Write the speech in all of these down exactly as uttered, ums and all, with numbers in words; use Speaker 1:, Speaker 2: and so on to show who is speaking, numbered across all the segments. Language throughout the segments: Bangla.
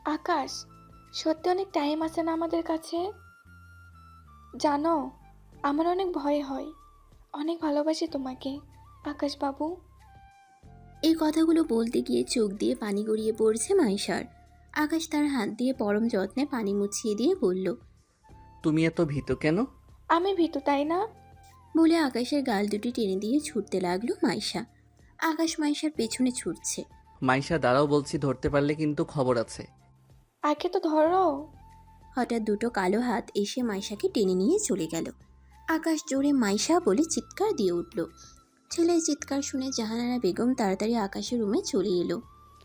Speaker 1: আকাশ, সত্যি অনেক টাইম আছে না আমাদের কাছে? জানো, আমার অনেক ভয় হয়। অনেক ভালোবাসি তোমাকে, আকাশ বাবু।
Speaker 2: এই কথাগুলো বলতে গিয়ে চোখ দিয়ে পানি গড়িয়ে পড়ছে মাইশার। আকাশ তার হাত দিয়ে পরম যত্নে পানি মুছিয়ে দিয়ে বলল।
Speaker 3: তুমি এত ভীত কেন?
Speaker 1: আমি ভীতু, তাই না?
Speaker 2: বলে আকাশের গাল দুটি টেনে দিয়ে ছুটতে লাগলো মাইশা। আকাশ মাইশার পেছনে ছুটছে।
Speaker 3: মাইশা দাঁড়াও বলছি, ধরতে পারলে কিন্তু খবর আছে।
Speaker 1: আগে তো ধরো।
Speaker 2: হঠাৎ দুটো কালো হাত এসে মাইশাকে টেনে নিয়ে চলে গেল। আকাশ জোরে মাইশা বলে চিৎকার দিয়ে উঠল। ছেলের চিৎকার শুনে জাহানারা বেগম তাড়াতাড়ি আকাশের রুমে চলে এলো।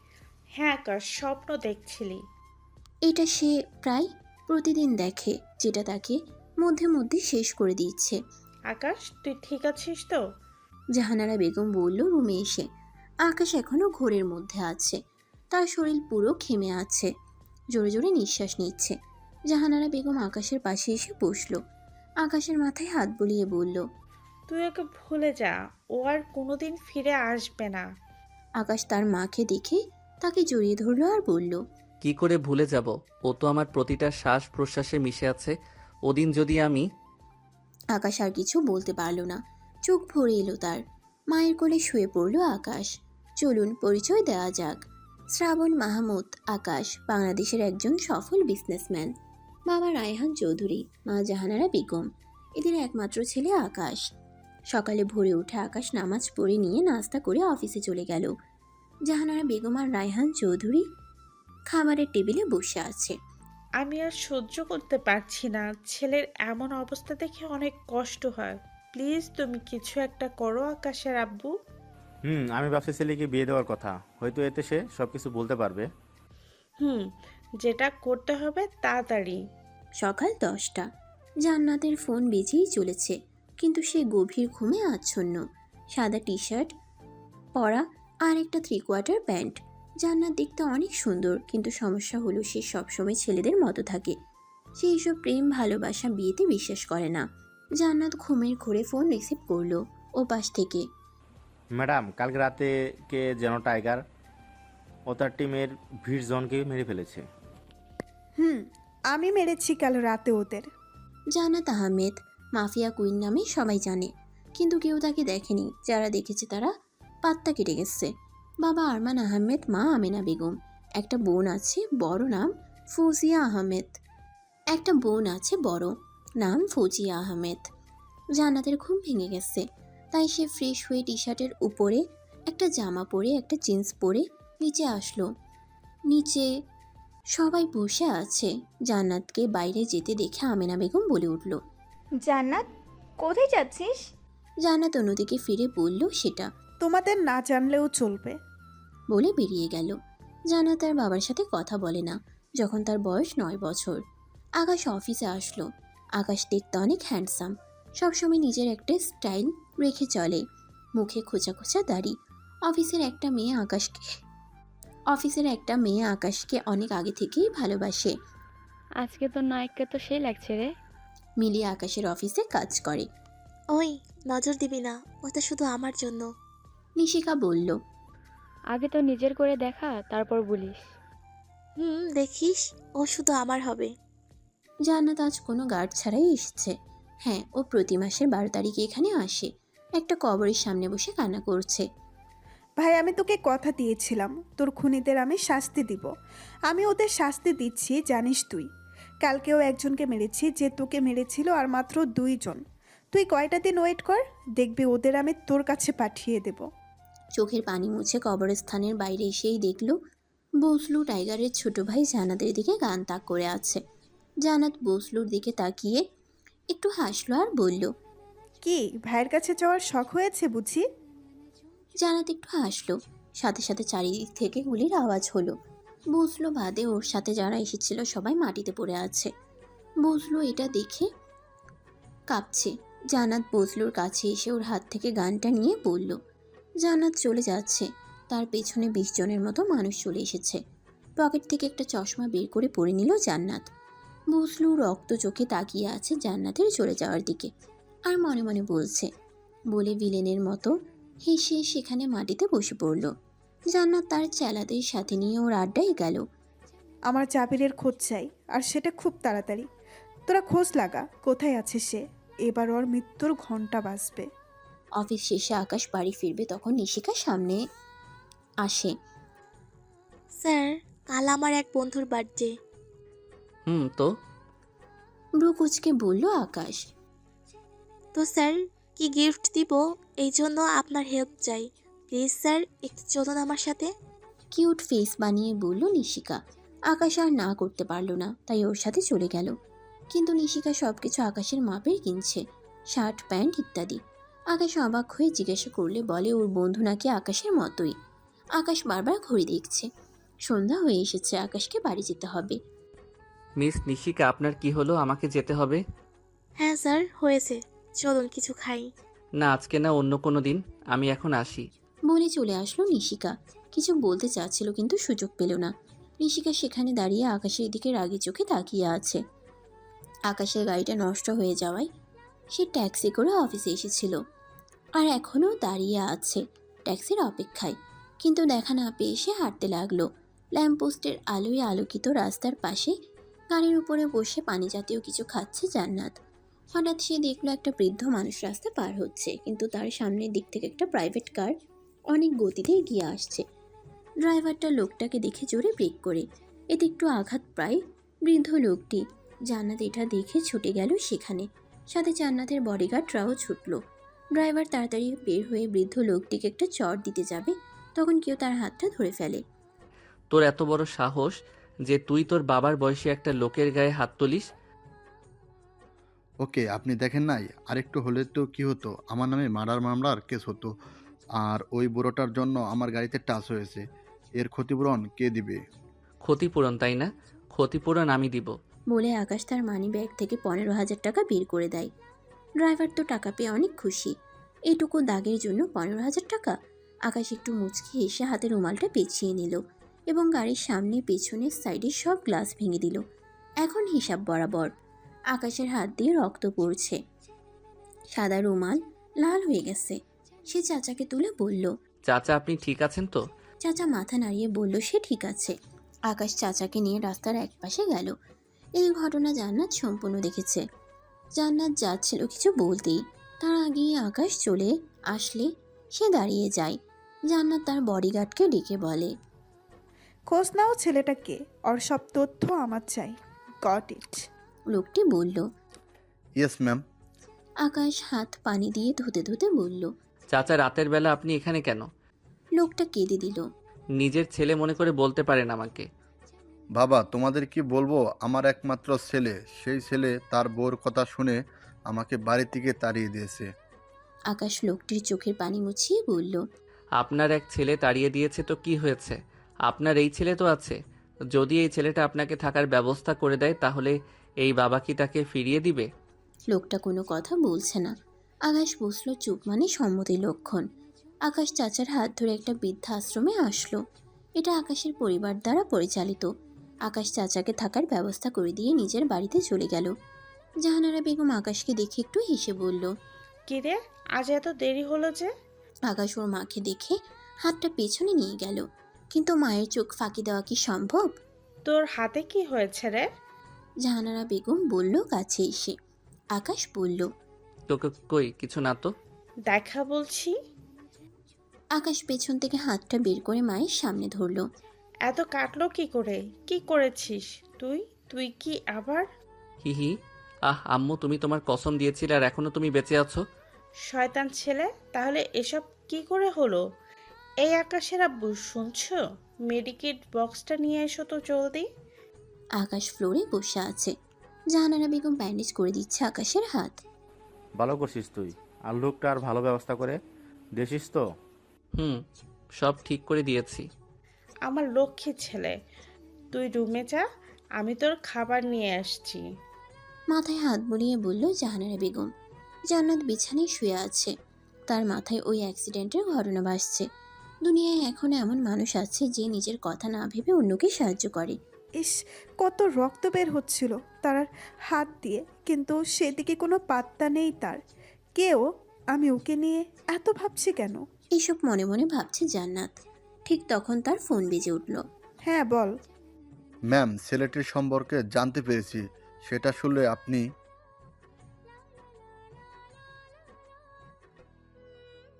Speaker 4: হ্যাঁ আকাশ, স্বপ্ন দেখছিলি?
Speaker 2: এটা সে প্রায় প্রতিদিন দেখে, যেটা তাকে মধ্যে মধ্যে শেষ করে দিচ্ছে।
Speaker 4: আকাশ, তুই ঠিক আছিস তো?
Speaker 2: জাহানারা বেগম বলল রুমে এসে। আকাশ এখনো ঘোরের মধ্যে আছে, তার শরীর পুরো ঘেমে আছে, জোরে জোরে নিঃশ্বাস নিচ্ছে। জাহানারা বেগম আকাশের পাশে এসে বসল। আকাশের মাথায় হাত বুলিয়ে বলল,
Speaker 4: তুই ওকে ভুলে যা, ও আর কোনোদিন ফিরে আসবে না।
Speaker 2: আকাশ তার মাকে দেখে তাকে জড়িয়ে ধরল আর বলল,
Speaker 3: কি করে ভুলে যাব? ও তো আমার প্রতিটা শ্বাস প্রশ্বাসে মিশে আছে। ওদিন যদি আমি
Speaker 2: আকাশ আর কিছু বলতে পারল না, চোখ ভরে এলো তার। মায়ের কোলে শুয়ে পড়ল আকাশ। চলুন পরিচয় দেওয়া যাক। শ্রাবণ মাহমুদ আকাশ বাংলাদেশের একজন সফল বিজনেসম্যান। বাবা রায়হান চৌধুরী, মা জাহানারা বেগম। এদের একমাত্র ছেলে আকাশ। সকালে ভোরে উঠে আকাশ নামাজ পড়ে নিয়ে নাস্তা করে অফিসে চলে গেল। জাহানারা বেগম আর রায়হান চৌধুরী খাবারের টেবিলে বসে আছে।
Speaker 4: আমি আর সহ্য করতে পারছি না, ছেলের এমন অবস্থা দেখে অনেক কষ্ট হয়। প্লিজ তুমি কিছু একটা করো আকাশের আব্বু।
Speaker 5: হুম আমি ভাবছি ছেলেকে বিয়ে দেওয়ার কথা, হয়তো এতে সে সব কিছু বলতে পারবে।
Speaker 4: হুম, যেটা করতে হবে তাড়াতাড়ি।
Speaker 2: সকাল দশটা। জান্নাতের ফোন বেজেই চলেছে, কিন্তু সে গভীর ঘুমে আচ্ছন্ন। সাদা টি শার্ট পরা আর একটা থ্রি কোয়ার্টার প্যান্ট। জান্নাত দেখতে অনেক সুন্দর, কিন্তু সমস্যা হলো সে সবসময় ছেলেদের মতো থাকে। সে এইসব প্রেম ভালোবাসা বিয়েতে বিশ্বাস করে না। জান্নাত ঘুমের ঘোরে ফোন রিসিভ করলো ও পাশ থেকে।
Speaker 5: ম্যাডাম, কালকে রাতে কে যেন টাইগার ও তার টিমের ভিড় জনকে মেরে ফেলেছে।
Speaker 6: হুম, আমি মেরেছি কাল রাতে ওদের।
Speaker 2: জান্নাত আহমেদ মাফিয়া কুইন নামে সবাই জানে, কিন্তু কেউ তাকে দেখেনি। যারা দেখেছে তারা পাত্তা কেটে গেছে। বাবা আরমান আহমেদ, মা আমেনা বেগম। একটা বোন আছে বড়, নাম ফৌজিয়া আহমেদ। একটা বোন আছে বড়, নাম ফৌজিয়া আহমেদ। জান্নাতের ঘুম ভেঙে গেছে, তাই সে ফ্রেশ হয়ে টি শার্টের উপরে একটা জামা পরে একটা জিন্স পরে নিচে আসলো। নিচে সবাই বসে আছে। জান্নাতকে বাইরে যেতে দেখে আমেনা বেগম বলে উঠল।
Speaker 7: জান্নাত, কোথায় যাচ্ছিস?
Speaker 2: জান্নাত অন্যদিকে ফিরে বলল সেটা,
Speaker 6: তোমাদের না জানলেও চলবে।
Speaker 2: বলে বেরিয়ে গেল। জান্নাত তার বাবার সাথে কথা বলে না যখন তার বয়স নয় বছর। আকাশ অফিসে আসলো। আকাশ দেখতে অনেক হ্যান্ডসাম, সবসময় নিজের একটা স্টাইল রেখে চলে। মুখে খোঁচা খোঁচা দাড়ি। অফিসের একটা মেয়ে আকাশকে অফিসের একটা মেয়ে আকাশকে অনেক আগে থেকেই ভালোবাসে।
Speaker 8: আজকে তো নায়ককে তো সেই লাগছে রে।
Speaker 2: মিলি আকাশের অফিসে কাজ করে।
Speaker 9: ওই, নজর দিবি না, ওটা শুধু আমার জন্য।
Speaker 2: নিশিকা বলল,
Speaker 8: আগে তো নিজের করে দেখা, তারপর বলিস।
Speaker 9: হুম, দেখিস, ও শুধু আমার হবে।
Speaker 2: জান্নাত আজ কোনো গার্ড ছাড়াই এসেছে। হ্যাঁ, ও প্রতি মাসের বারো তারিখে এখানে আসে। একটা কবরের সামনে বসে কান্না করছে।
Speaker 6: ভাই, আমি তোকে কথা দিয়েছিলাম তোর খুনিদের আমি শাস্তি দিব। আমি ওদের শাস্তি দিচ্ছি, জানিস তুই। কালকেও একজনকে মেরেছি যে তোকে মেরেছিল, আর মাত্র দুইজন। তুই কয়টা দিন ওয়েট কর, দেখবি ওদের আমি তোর কাছে পাঠিয়ে দেব।
Speaker 2: চোখের পানি মুছে কবরস্থানের বাইরে এসেই দেখল বসলু টাইগারের ছোট ভাই জান্নাতের দিকে গান তাক করে আছে। জান্নাত বসলুর দিকে তাকিয়ে একটু হাসলো আর বলল,
Speaker 6: কি ভাইয়ের কাছে যাওয়ার শখ হয়েছে বুঝি?
Speaker 2: জান্নাত একটু হাসলো। সাথে সাথে চারিদিক থেকে গুলির আওয়াজ হলো। বসলু বাদে ওর সাথে যারা এসেছিল সবাই মাটিতে পড়ে আছে। বসলু এটা দেখে কাঁপছে। জান্নাত বসলুর কাছে এসে ওর হাত থেকে গানটা নিয়ে বলল। জান্নাত চলে যাচ্ছে। তার পেছনে বিশ জনের মতো মানুষ চলে এসেছে। পকেট থেকে একটা চশমা বের করে পরে নিল জান্নাত। বসলু রক্ত চোখে তাকিয়ে আছে জান্নাতের চলে যাওয়ার দিকে, আর মনে মনে বলছে, বলে ভিলেনের মতো হেসে সেখানে মাটিতে বসে পড়ল। জান্নাত তার চেলাদের সাথে নিয়ে ওর আড্ডায় গেল।
Speaker 6: আমার জাবিরের খোঁজ চাই, আর সেটা খুব তাড়াতাড়ি। তোরা খোঁজ লাগা কোথায় আছে সে। এবার ওর মৃত্যুর ঘন্টা বাজবে।
Speaker 2: অফিস শেষে আকাশ বাড়ি ফিরবে তখন নিশিকা সামনে আসে।
Speaker 9: স্যার, কাল আমার এক বন্ধুর বার্থডে।
Speaker 3: হুম, তো
Speaker 2: ব্রু কুচকে বলল আকাশ।
Speaker 9: তো স্যার, কি গিফট দিব এই জন্য আপনার হেল্প চাই। প্লিজ স্যার, একটু চলুন আমার সাথে।
Speaker 2: কিউট ফেস বানিয়ে বলল নিশিকা। আকাশ আর না করতে পারল না, তাই ওর সাথে চলে গেল। কিন্তু নিশিকা সবকিছু আকাশের মাপের কিনছে, শার্ট প্যান্ট ইত্যাদি। আকাশ অবাক হয়ে জিজ্ঞাসা করলে বলে ওর বন্ধু নাকি আকাশের মতোই। আকাশ বারবার ঘড়ি দেখছে, সন্ধ্যা হয়ে এসেছে, আকাশকে বাড়ি যেতে হবে।
Speaker 3: মিস নিশিকা, আপনার কি হলো? আমাকে যেতে হবে।
Speaker 9: হ্যাঁ স্যার, হয়েছে। চলুন কিছু খাই।
Speaker 3: না, আজকে না, অন্য কোনো দিন। আমি এখন আসি।
Speaker 2: বলে চলে আসলো নিশিকা। কিছু বলতে চাচ্ছিল কিন্তু সুযোগ পেল না। নিশিকা সেখানে দাঁড়িয়ে আকাশের দিকে রাগি চোখে তাকিয়ে আছে। আকাশের গাড়িটা নষ্ট হয়ে যাওয়ায় সে ট্যাক্সি করে অফিসে এসেছিল, আর এখনও দাঁড়িয়ে আছে ট্যাক্সির অপেক্ষায়। কিন্তু দেখা না পেয়ে সে হাঁটতে লাগলো। ল্যাম্পপোস্টের আলোয় আলোকিত রাস্তার পাশে গাড়ির উপরে বসে পানি জাতীয় কিছু খাচ্ছে জান্নাত। হঠাৎ সে দেখলো একটা বৃদ্ধ মানুষ রাস্তা পার হচ্ছে, কিন্তু তার সামনের দিক থেকে একটা প্রাইভেট কার অনেক গতিতে এগিয়ে আসছে। ড্রাইভারটা লোকটাকে দেখে জোরে ব্রেক করে, এতে একটু আঘাত প্রায় বৃদ্ধ লোকটি। জান্নাত এটা দেখে ছুটে গেল সেখানে, সাথে জান্নাতের বডিগার্ডরাও ছুটল। ড্রাইভার তাড়াতাড়ি বের হয়ে বৃদ্ধ লোকটিকে একটা চড় দিতে যাবে, তখন কেউ তার হাতটা ধরে ফেলে।
Speaker 3: তোর এত বড় সাহস যে তুই তোর বাবার বয়সী একটা লোকের গায়ে হাত তুলিস?
Speaker 10: ওকে, আপনি দেখেন নাই? আরেকটু হলে তো কি হতো, আমার নামে মার্ডার মামলার কেস হতো। আর ওই বুড়োটার জন্য আমার গাড়িতে টাচ হয়েছে, এর ক্ষতিপূরণ কে দিবে?
Speaker 3: ক্ষতিপূরণ, তাই না? ক্ষতিপূরণ আমি দিব।
Speaker 2: বলে আকাশ তার মানি ব্যাগ থেকে পনেরো হাজার টাকা বের করে দেয়। ড্রাইভার তো টাকা পেয়ে অনেক খুশি। এইটুকু দাগের জন্য পনেরো হাজার টাকা। আকাশ একটু মুচকি এসে হাতে রুমালটা পেঁচিয়ে নিল এবং গাড়ির সামনে পেছনের সাইডে সব গ্লাস ভেঙে দিল। এখন হিসাব বরাবর। আকাশের হাত দিয়ে রক্ত পড়ছে, সাদা রুমাল লাল হয়ে গেছে। সে চাচাকে তুলে বলল,
Speaker 3: চাচা, আপনি ঠিক আছেন তো?
Speaker 2: চাচা মাথা নাড়িয়ে বলল সে ঠিক আছে। আকাশ চাচাকে নিয়ে রাস্তার একপাশে গেল। এই ঘটনা জান্নাত সম্পূর্ণ দেখেছে। জান্নাত যাচ্ছিল কিছু বলতেই, তার আগেই আকাশ চলে আসলে সে দাঁড়িয়ে যায়। জান্নাত তার বডিগার্ডকে ডেকে বলে,
Speaker 6: খোঁজ নাও ছেলেটাকে, ওর সব তথ্য আমার চাই। Got it.
Speaker 2: লোকটি বলল।
Speaker 10: Yes ma'am.
Speaker 2: আকাশ হাত পানি দিয়ে ধুতে ধুতে বলল।
Speaker 3: চাচা, রাতের বেলা আপনি এখানে কেন?
Speaker 2: লোকটা কেঁদে দিল।
Speaker 3: নিজের ছেলে মনে করে বলতে পারেন আমাকে।
Speaker 10: বাবা, তোমাদের কি বলবো, আমার একমাত্র ছেলে, সেই ছেলে তার বউর কথা শুনে আমাকে বাড়ি থেকে তাড়িয়ে দিয়েছে।
Speaker 2: আকাশ লোকটির চোখের পানি মুছিয়ে বলল,
Speaker 3: আপনার এক ছেলে তাড়িয়ে দিয়েছে তো কি হয়েছে? আপনার এই ছেলে তো আছে। যদি এই ছেলেটা আপনাকে থাকার ব্যবস্থা করে দেয়, তাহলে এই বাবা কি তাকে ফিরিয়ে দিবে?
Speaker 2: লোকটা কোনো কথা বলছে না। আকাশ বসলো চুপ, মানে সম্মতির লক্ষণ। আকাশ চাচার হাত ধরে একটা বৃদ্ধাশ্রমে আসলো। এটা আকাশের পরিবার দ্বারা পরিচালিত। আকাশ চাচাকে থাকার ব্যবস্থা করে দিয়ে নিজের বাড়িতে চলে গেল। জাহানারা বেগম আকাশকে দেখে একটু হেসে বলল,
Speaker 4: কিরে, আজ এত দেরি হলো যে?
Speaker 2: আকাশ ওর মাকে দেখে হাতটা পেছনে নিয়ে গেল, কিন্তু মায়ের চোখ ফাঁকি দেওয়া কি সম্ভব?
Speaker 4: তোর হাতে কি হয়েছে রে?
Speaker 2: জাহানারা বেগম বলল কাছে এসে। আকাশ বলল,
Speaker 3: তোকে কই কিছু না তো।
Speaker 4: দেখা বলছি।
Speaker 2: আকাশ পেছন থেকে হাতটা বের করে মায়ের সামনে ধরল।
Speaker 4: এত কাটলো কি করে? কি করেছিস তুই? তুই কি আবার?
Speaker 3: হি হি। আহ আম্মু, তুমি তোমার কসম দিয়েছিলে আর এখনো তুমি বেঁচে আছো।
Speaker 4: শয়তান ছেলে, তাহলে এসব কি করে হলো? এই আকাশের আব্বু, শুনছো? মেডিকেট বক্সটা নিয়ে এসো তো জলদি।
Speaker 2: আকাশ ফ্লোরে বসে আছে। জাহানারা বেগম ব্যান্ডেজ করে দিচ্ছে আকাশের হাত।
Speaker 5: ভালো করছিস তুই। আর লোকটার ভালো ব্যবস্থা করে দিয়েছিস তো?
Speaker 3: হুম, সব ঠিক করে দিয়েছি।
Speaker 4: আমার লক্ষ্মী ছেলে, তুই রুমে যা, আমি তোর খাবার নিয়ে আসছি।
Speaker 2: মাথায় হাত বুলিয়ে বলল জাহানারা বেগম। জান্নাত বিছানায় শুয়ে আছে, তার মাথায় ওই অ্যাক্সিডেন্টের ঘটনা ভাসছে। দুনিয়ায় এখন এমন মানুষ আছে যে নিজের কথা না ভেবে অন্যকে সাহায্য করে।
Speaker 6: ইস, কত রক্ত বের হচ্ছিল তার হাত দিয়ে, কিন্তু সেদিকে কোনো পাত্তা নেই তার। কেউ, আমি ওকে নিয়ে এত ভাবছি কেন?
Speaker 2: এইসব মনে মনে ভাবছে জান্নাত। ঠিক তখন তার ফোন বেজে উঠল।
Speaker 6: হ্যাঁ বল।
Speaker 10: ম্যাম, ছেলেটির সম্পর্কে জানতে পেরেছি। সেটা শুনলে আপনি